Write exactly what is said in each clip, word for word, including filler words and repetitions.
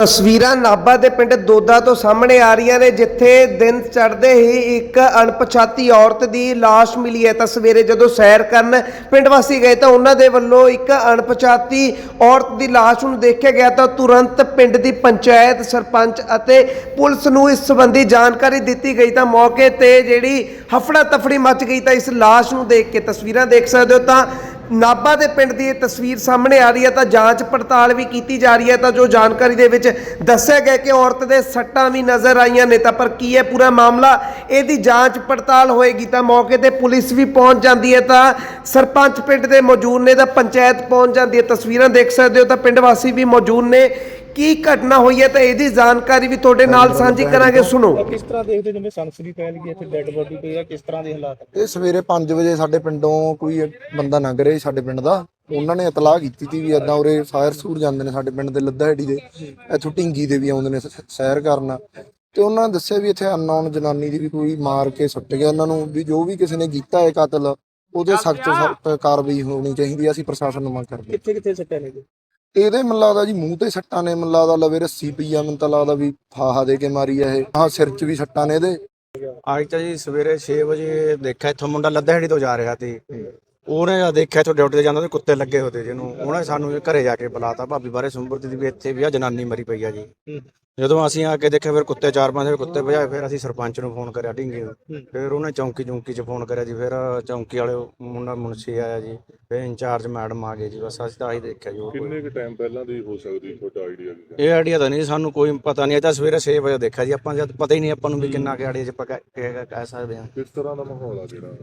ਤਸਵੀਰਾਂ ਨਾਭਾ ਦੇ ਪਿੰਡ ਦੋਦਾ ਤੋਂ ਸਾਹਮਣੇ ਆ ਰਹੀਆਂ ਨੇ, ਜਿੱਥੇ ਦਿਨ ਚੜ੍ਹਦੇ ਹੀ ਇੱਕ ਅਣਪਛਾਤੀ ਔਰਤ ਦੀ ਲਾਸ਼ ਮਿਲੀ ਹੈ। ਤਾਂ ਸਵੇਰੇ ਜਦੋਂ ਸੈਰ ਕਰਨ ਪਿੰਡ ਵਾਸੀ ਗਏ ਤਾਂ ਉਹਨਾਂ ਦੇ ਵੱਲੋਂ ਇੱਕ ਅਣਪਛਾਤੀ ਔਰਤ ਦੀ ਲਾਸ਼ ਨੂੰ ਦੇਖਿਆ ਗਿਆ ਤਾਂ ਤੁਰੰਤ ਪਿੰਡ ਦੀ ਪੰਚਾਇਤ, ਸਰਪੰਚ ਅਤੇ ਪੁਲਿਸ ਨੂੰ ਇਸ ਸੰਬੰਧੀ ਜਾਣਕਾਰੀ ਦਿੱਤੀ ਗਈ। ਤਾਂ ਮੌਕੇ ਤੇ ਜਿਹੜੀ ਹਫੜਾ ਤਫੜੀ ਮਚ ਗਈ। ਤਾਂ ਇਸ ਲਾਸ਼ ਨੂੰ ਦੇਖ ਕੇ ਤਸਵੀਰਾਂ ਦੇਖ ਸਕਦੇ ਹੋ ਤਾਂ ਨਾਭਾ ਦੇ ਪਿੰਡ ਦੀ ਇਹ ਤਸਵੀਰ ਸਾਹਮਣੇ ਆ ਰਹੀ ਹੈ। ਤਾਂ ਜਾਂਚ ਪੜਤਾਲ ਵੀ ਕੀਤੀ ਜਾ ਰਹੀ ਹੈ। ਤਾਂ ਜੋ ਜਾਣਕਾਰੀ ਦੇ ਵਿੱਚ ਦੱਸਿਆ ਗਿਆ ਕਿ ਔਰਤ ਦੇ ਸੱਟਾਂ ਵੀ ਨਜ਼ਰ ਆਈਆਂ ਨੇ। ਤਾਂ ਪਰ ਕੀ ਹੈ ਪੂਰਾ ਮਾਮਲਾ, ਇਹਦੀ ਜਾਂਚ ਪੜਤਾਲ ਹੋਏਗੀ। ਤਾਂ ਮੌਕੇ ਤੇ ਪੁਲਿਸ ਵੀ ਪਹੁੰਚ ਜਾਂਦੀ ਹੈ, ਤਾਂ ਸਰਪੰਚ ਪਿੰਡ ਦੇ ਮੌਜੂਦ ਨੇ, ਤਾਂ ਪੰਚਾਇਤ ਪਹੁੰਚ ਜਾਂਦੀ ਹੈ। ਤਸਵੀਰਾਂ ਦੇਖ ਸਕਦੇ ਹੋ ਤਾਂ ਪਿੰਡ ਵਾਸੀ ਵੀ ਮੌਜੂਦ ਨੇ। ਕੀ ਘਟਨਾ ਹੋਈ ਹੈ ਤਾਂ ਇਹਦੀ ਜਾਣਕਾਰੀ ਵੀ ਤੁਹਾਡੇ ਨਾਲ ਸਾਂਝੀ ਕਰਾਂਗੇ, ਸੁਣੋ। ਕਿਸ ਤਰ੍ਹਾਂ ਦੇਖਦੇ ਜਿਵੇਂ ਸਨਸਨੀ ਫੈਲ ਗਈ, ਇੱਥੇ ਡੈੱਡ ਬੋਡੀ ਪਈ ਆ, ਕਿਸ ਤਰ੍ਹਾਂ ਦੇ ਹਾਲਾਤ? ਇਹ ਸਵੇਰੇ ਪੰਜ ਵਜੇ ਸਾਡੇ ਪਿੰਡੋਂ ਕੋਈ ਬੰਦਾ ਲੰਘ ਰਿਹਾ ਸਾਡੇ ਪਿੰਡ ਦਾ। ਉਹਨਾਂ ਨੇ ਇਤਲਾਹ ਕੀਤੀ ਸੀ ਵੀ ਇਦਾਂ ਉਰੇ ਫਾਇਰ ਸੂਰ ਜਾਂਦੇ ਨੇ ਸਾਡੇ ਪਿੰਡ ਦੇ ਲੱਦਾਹੇੜੀ ਦੇ, ਇੱਥੋਂ ਢਿੰਗੀ ਦੇ ਵੀ ਆਉਂਦੇ ਨੇ ਸੈਰ ਕਰਨ। ਤੇ ਉਹਨਾਂ ਨੇ ਦੱਸਿਆ ਵੀ ਇੱਥੇ ਅਨਨੋਨ ਜਨਾਨੀ ਦੀ ਵੀ ਕੋਈ ਮਾਰ ਕੇ ਸੁੱਟ ਗਿਆ ਉਹਨਾਂ ਨੂੰ, ਵੀ ਜੋ ਵੀ ਕਿਸੇ ਨੇ ਕੀਤਾ ਹੈ ਕਤਲ ਉਹਦੇ ਸਖਤ ਸਖਤ ਕਾਰਵਾਈ ਹੋਣੀ ਚਾਹੀਦੀ। ਅਸੀਂ ਪ੍ਰਸ਼ਾਸਨ ਨੂੰ ਮੰਗ ਕਰਦੇ। ਕਿੱਥੇ ਕਿੱਥੇ ਸੱਟਾਂ ਨੇ? ਇਹਦੇ ਮੈਨੂੰ ਲੱਗਦਾ ਜੀ ਮੂੰਹ ਤੇ ਸੱਟਾਂ ਨੇ, ਮੈਨੂੰ ਲੱਗਦਾ ਲਵੇ ਰੱਸੀ ਪਈ ਆ, ਮੈਨੂੰ ਤਾਂ ਲੱਗਦਾ ਵੀ ਫਾਹਾ ਦੇ ਕੇ ਮਾਰੀ ਆ ਇਹ। ਹਾਂ, ਸਿਰ 'ਚ ਵੀ ਸੱਟਾਂ ਨੇ ਇਹਦੇ। ਅੱਜ ਤਾਂ ਜੀ ਸਵੇਰੇ ਛੇ ਵਜੇ ਦੇਖਿਆ ਇੱਥੋਂ ਮੁੰਡਾ ਲੱਦਾਹੇੜੀ ਤੋਂ ਜਾ ਰਿਹਾ ਸੀ। ਉਹਨੇ ਜਦ ਦੇਖਿਆ ਇੱਥੋਂ ਡਿਊਟੀ ਤੇ ਜਾਂਦਾ ਤੇ ਕੁੱਤੇ ਲੱਗੇ ਹੋਤੇ ਜਿਹਨੂੰ, ਉਹਨੇ ਸਾਨੂੰ ਘਰੇ ਜਾ ਕੇ ਬੁਲਾਤਾ, ਭਾਬੀ ਬਾਰੇ ਸੁੰਬਰਤੀ ਦੀ ਵੀ ਇੱਥੇ ਵੀ ਆ ਜਨਾਨੀ ਮਰੀ ਪਈ ਆ ਜੀ। ਜਦੋਂ ਅਸੀਂ ਆ ਕੇ ਦੇਖਿਆ ਫਿਰ ਕੁੱਤੇ ਚਾਰ ਪੰਜ ਕੁੱਤੇ ਭਜਾਏ। ਫਿਰ ਅਸੀਂ ਸਰਪੰਚ ਨੂੰ ਫੋਨ ਕਰਿਆ ਢਿੰਗੇ ਨੂੰ, ਫਿਰ ਉਹਨੇ ਚੌਂਕੀ ਚੌਂਕੀ 'ਚ ਫੋਨ ਕਰਿਆ ਜੀ। ਫਿਰ ਚੌਂਕੀ ਵਾਲੇ ਮੁੰਡਾ ਮੁਨਸ਼ੀ ਆਇਆ ਜੀ, ਫਿਰ ਇੰਚਾਰਜ ਮੈਡਮ ਆ ਗਏ ਜੀ। ਬਸ ਅਸੀਂ ਤਾਂ ਆਹੀ ਦੇਖਿਆ ਜੀ। ਕਿੰਨੇ ਕੁ ਟਾਈਮ ਪਹਿਲਾਂ ਦੀ ਹੋ ਸਕਦੀ ਤੁਹਾਡਾ ਆਈਡੀਆ? ਇਹ ਆਈਡੀਆ ਤਾਂ ਨਹੀਂ ਸਾਨੂੰ ਕੋਈ ਪਤਾ ਨਹੀਂ। ਇਹ ਤਾਂ ਸਵੇਰੇ ਛੇ ਵਜੇ ਦੇਖਿਆ ਜੀ ਆਪਾਂ, ਜਦ ਪਤਾ ਹੀ ਨਹੀਂ ਆਪਾਂ ਨੂੰ ਵੀ ਕਿੰਨਾ ਕੁ ਆਈਡੀਆ 'ਚ ਆਪਾਂ ਕਹਿ ਸਕਦੇ ਹਾਂ। ਕਿਸ ਤਰ੍ਹਾਂ ਦਾ ਮਾਹੌਲ ਆ ਜਿਹੜਾ?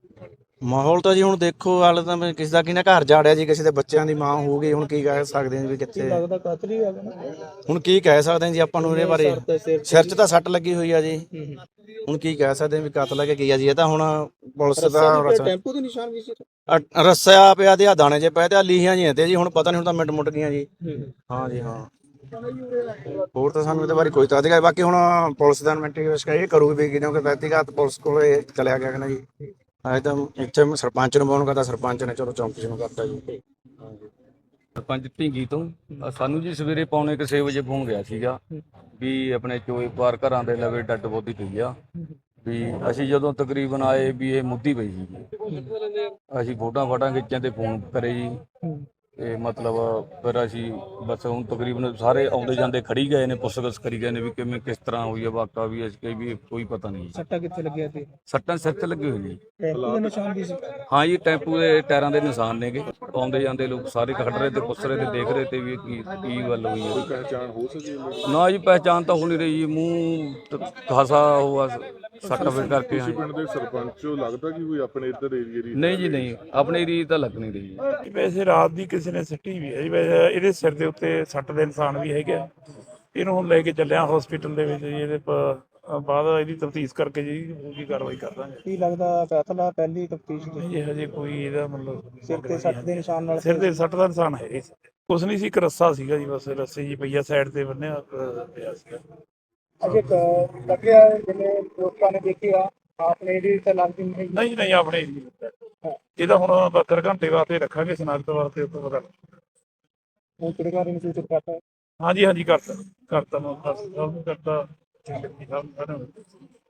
ਮਾਹੌਲ ਤਾਂ ਜੀ ਹੁਣ ਦੇਖੋ, ਹਾਲੇ ਤਾਂ ਕਿਸੇ ਦਾ ਕਿਹਨੇ ਘਰ ਜਾੜਿਆ ਜੀ, ਕਿਸੇ ਦੇ ਬੱਚਿਆਂ ਦੀ ਮਾਂ ਹੋ ਗਈ। ਹੁਣ ਕੀ ਕਹਿ ਸਕਦੇ ਹਾਂ ਵੀ ਕਿੱਥੇ ਲੱਗਦਾ ਕਾਤਲ ਹੀ ਆ ਗਿਆ। ਹੁਣ ਕੀ ਕਹਿ ਸਕਦੇ ਹਾਂ ਜੀ ਆਪਾਂ ਨੂੰ ਇਹਦੇ ਬਾਰੇ। ਸਿਰ 'ਚ ਤਾਂ ਸੱਟ ਲੱਗੀ ਹੋਈ ਆ ਜੀ। ਹੁਣ ਕੀ ਕਹਿ ਸਕਦੇ ਹਾਂ ਵੀ ਕਤਲ ਹੈ ਕਿ ਕੀ ਆ ਜੀ। ਇਹ ਤਾਂ ਹੁਣ ਪੁਲਿਸ ਦਾ ਟੈਂਪੂ ਦੇ ਨਿਸ਼ਾਨ ਵੀ ਸੀ, ਰੱਸਿਆ ਪਿਆ ਤੇ ਆ ਦਾਣੇ 'ਚ ਪਏ ਤੇ ਆ ਲੀਹਾਂ ਜੀ ਤੇ ਜੀ। ਹੁਣ ਪਤਾ ਨਹੀਂ, ਹੁਣ ਤਾਂ ਮਿੰਟ ਮੁੱਟ ਗਈਆਂ ਜੀ। ਹਾਂ ਜੀ ਹਾਂ, ਹੋਰ ਤਾਂ ਸਾਨੂੰ ਇਹਦੇ ਬਾਰੇ ਕੋਈ ਤਾਂ ਅਧਿਕਾਰ। ਬਾਕੀ ਹੁਣ ਪੁਲਿਸ ਦਾ ਇਨਵੈਸਟੀਗੇਸ਼ਨ ਇਹ ਕਰੂਗੀ ਵੀ ਕਿਉਂਕਿ ਵਿਅਕਤੀਗਤ ਪੁਲਿਸ ਕੋਲ ਚਲਿਆ ਗਿਆ ਕਿ ਨਾ ਜੀ। ਅਜੇ ਤਾਂ ਇੱਥੇ ਸਰਪੰਚ ਨੂੰ ਫੋਨ ਕਰਤਾ, ਸਰਪੰਚ ਨੇ ਚਲੋ ਚੌਂਕੀ ਨੂੰ ਕਰਤਾ ਜੀ। ਸਰਪੰਚ ਢਿੰਗੀ ਤੋਂ ਸਾਨੂੰ ਜੀ ਸਵੇਰੇ ਪੌਣੇ ਕੁ ਛੇ ਵਜੇ ਫੋਨ ਗਿਆ ਸੀਗਾ ਵੀ ਆਪਣੇ ਚੋਏ ਪਾਰ ਘਰਾਂ ਦੇ ਲਵੇ ਡੈੱਡ ਬੋਡੀ ਪਈ ਆ। ਵੀ ਅਸੀਂ ਜਦੋਂ ਤਕਰੀਬਨ ਆਏ ਵੀ ਇਹ ਮੁੱਦੀ ਪਈ ਸੀ। ਅਸੀਂ ਫੋਟੋਆਂ ਫਾਟਾਂ ਖਿੱਚਾਂ ਤੇ ਫੋਨ ਕਰੇ ਜੀ। ਤੇ ਮਤਲਬ ਫਿਰ ਅਸੀਂ ਬਸ ਹੁਣ ਤਕਰੀਬਨ ਸਾਰੇ ਆਉਂਦੇ ਜਾਂਦੇ ਖੜੀ ਗਏ ਨੇ, ਪੁੱਛਗਿੱਛ ਕਰੀ ਗਏ ਨੇ ਵੀ ਕਿਵੇਂ ਕਿਸ ਤਰ੍ਹਾਂ ਹੋਈ ਆ ਵਾਕਾ। ਵੀ ਅਸੀਂ ਕਹੀ ਵੀ ਕੋਈ ਪਤਾ ਨਹੀਂ। ਸੱਟਾਂ ਕਿੱਥੇ ਲੱਗਿਆ ਤੇ? ਸੱਟਾਂ ਸਿਰ ਤੇ ਲੱਗੇ ਹੋਏ ਜੀ। ਟੈਂਪੂ ਦੇ ਨਿਸ਼ਾਨ ਵੀ ਸੀ? ਹਾਂ ਜੀ, ਟੈਂਪੂ ਦੇ ਟਾਇਰਾਂ ਦੇ ਨਿਸ਼ਾਨ ਨੇਗੇ। ਆਉਂਦੇ ਜਾਂਦੇ ਲੋਕ ਸਾਰੇ ਖੜ ਰਹੇ ਤੇ ਪੁੱਛ ਰਹੇ ਤੇ ਦੇਖ ਰਹੇ ਤੇ ਵੀ ਕੀ ਕੀ ਗੱਲ ਹੋਈ ਹੈ। ਪਹਿਚਾਣ ਹੋ ਸਕੀ? ਨਾ ਜੀ, ਪਹਿਚਾਣ ਤਾਂ ਹੋ ਨਹੀਂ ਰਹੀ ਜੀ। ਮੂੰਹ ਖਾਸਾ ਹੋਆ ਸੱਟ ਫਿਰ ਕਰਕੇ। ਤੁਸੀਂ ਪਿੰਡ ਦੇ ਸਰਪੰਚ ਹੋ, ਲੱਗਦਾ ਕਿ ਕੋਈ ਆਪਣੇ ਇੱਧਰ ਏਰੀਏ ਦੀ? ਨਹੀਂ ਜੀ ਨਹੀਂ, ਆਪਣੇ ਏਰੀਏ ਤਾਂ ਲੱਗ ਨਹੀਂ ਰਹੀ ਜੀ। ਵੈਸੇ ਰਾਤ ਦੀ ਕਿਸੇ ਨੇ ਸਿੱਟੀ ਵੀ ਹੈ ਜੀ। ਵੈਸੇ ਇਹਦੇ ਸਿਰ ਦੇ ਉੱਤੇ ਸੱਟ ਦੇ ਨਿਸ਼ਾਨ ਵੀ ਹੈਗੇ। ਇਹਨੂੰ ਹੁਣ ਲੈ ਕੇ ਚੱਲਿਆ ਹਸਪੀਟਲ ਦੇ ਵਿੱਚ ਜੀ। ਇਹਦੇ ਬਾਅਦ ਇਹਦੀ ਤਫਤੀਸ਼ ਕਰਕੇ ਜੀ ਕੀ ਕਾਰਵਾਈ ਕਰ ਦਾਂਗੇ। ਕੀ ਲੱਗਦਾ ਕਾਤਲ ਆ? ਪਹਿਲੀ ਤਫਤੀਸ਼ ਜੀ ਹਜੇ ਕੋਈ ਇਹਦਾ ਮਤਲਬ ਸਿਰ ਤੇ ਸੱਟ ਦੇ ਨਿਸ਼ਾਨ ਨਾਲ? ਸਿਰ ਦੇ ਸੱਟ ਦਾ ਨਿਸ਼ਾਨ ਹੈ ਕੁਛ ਨਹੀਂ ਸੀ, ਇੱਕ ਰੱਸਾ ਸੀਗਾ ਜੀ। ਬਸ ਰੱਸੇ ਜੀ ਪਈਆ ਸਾਈਡ ਤੇ ਬੰਨਿਆ ਪਿਆ ਸੀਗਾ। ਅਜੇ ਲੱਗਿਆ ਜਿਵੇਂ ਲੋਕਾਂ ਨੇ ਦੇਖਿਆ ਆਪਣੇ ਇਹਦੀ ਤਾਂ ਲੱਗਦੀ ਨਹੀਂ? ਨਹੀਂ ਨਹੀਂ, ਆਪਣੇ ਇਹਦਾ ਹੁਣ ਬਹੱਤਰ ਘੰਟੇ ਵਾਸਤੇ ਰੱਖਾਂਗੇ ਸਨਾਖਤ ਵਾਸਤੇ। ਉਸ ਤੋਂ ਪਤਾ ਹੁਣ ਕਿਹੜੇ ਨੂੰ ਸੂਚਿਤ ਕਰਤਾ? ਹਾਂਜੀ ਹਾਂਜੀ ਕਰਤਾ ਕਰਤਾ ਮੈਂ ਕਰਤਾ।